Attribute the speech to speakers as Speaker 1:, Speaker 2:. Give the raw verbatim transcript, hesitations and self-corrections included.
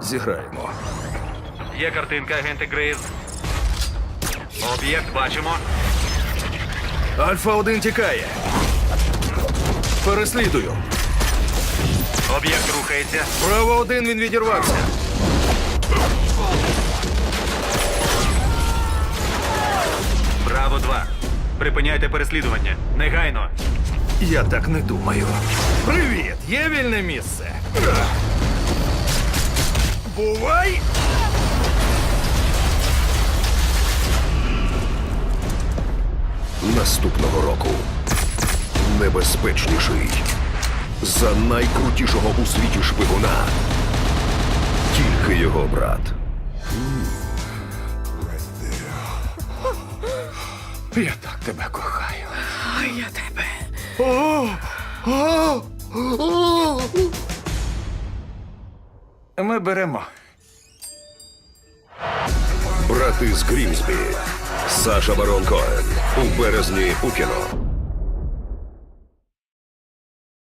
Speaker 1: Зіграємо.
Speaker 2: Є картинка, агенти Грейс. Об'єкт бачимо.
Speaker 1: Альфа один тікає. Переслідую.
Speaker 2: Об'єкт рухається.
Speaker 1: Браво один, він відірвався.
Speaker 2: Браво два. Припиняйте переслідування. Негайно.
Speaker 1: Я так не думаю. Привіт! Є вільне місце? Бувай!
Speaker 3: Наступного року небезпечніший за найкрутішого у світі шпигуна. Тільки його брат.
Speaker 1: Я так тебе кохаю.
Speaker 4: А я тебе.
Speaker 1: О! О! О! Ми беремо.
Speaker 3: Брати з Грімсбі. Саша Барон Коен. У березні у кіно.